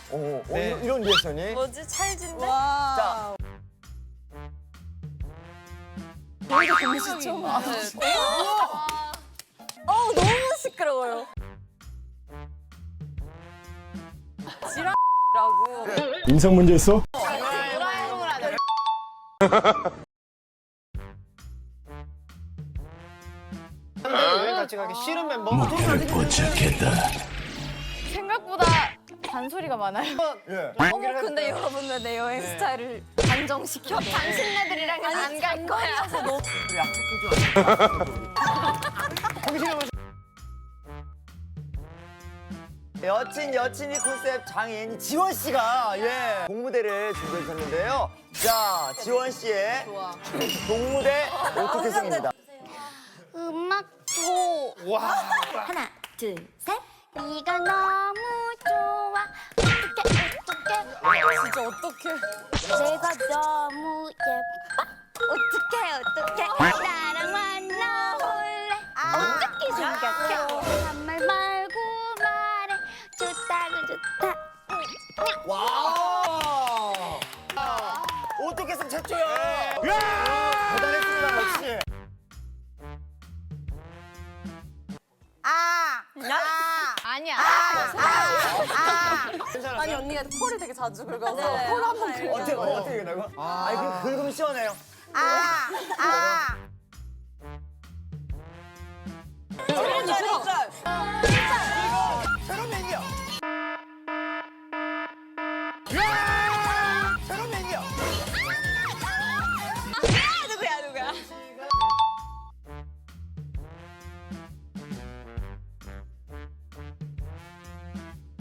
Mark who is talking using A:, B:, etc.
A: 네.
B: 이런 리액션이?
C: 뭐지? 찰진데?
B: 자,
C: 이게 공시죠? 너무 시끄러워요. 지랄라고.
D: 인성 문제 있어?
A: 여행 같이 가기 싫은 멤버.
D: 목표를 포착했다.
E: 생각보다 잔소리가 많아요.
B: 예.
C: 근데 여러분 왜 내 여행 스타일을 단정시켜?
E: 당신네들이랑은 안 갈 거야.
B: 여친이 컨셉 장인 지원 씨가 동무대를 준비해 주셨는데요. 자, 지원 씨의 동무대 오토캐승입니다.
E: 음악 줘.
A: 와.
E: 하나, 둘, 셋. 네가 너무 좋아. 어떡해.
C: 진짜 어떡해.
E: 내가 너무 예뻐. 어떡해. 나랑 만나볼래. 어떻게 생각해? 한 말 말고 말해. 좋다고 좋다.
B: 와! 오토캐승 최초야! 대단했습니다, 역시.
E: 아니야.
B: 괜찮았어요?
C: 아니 언니가 콜을 되게 자주 긁어서 콜 한번 긁어.
B: 어떻게 된다고? 아니, 그 긁으면 시원해요. 새로운 얘기야.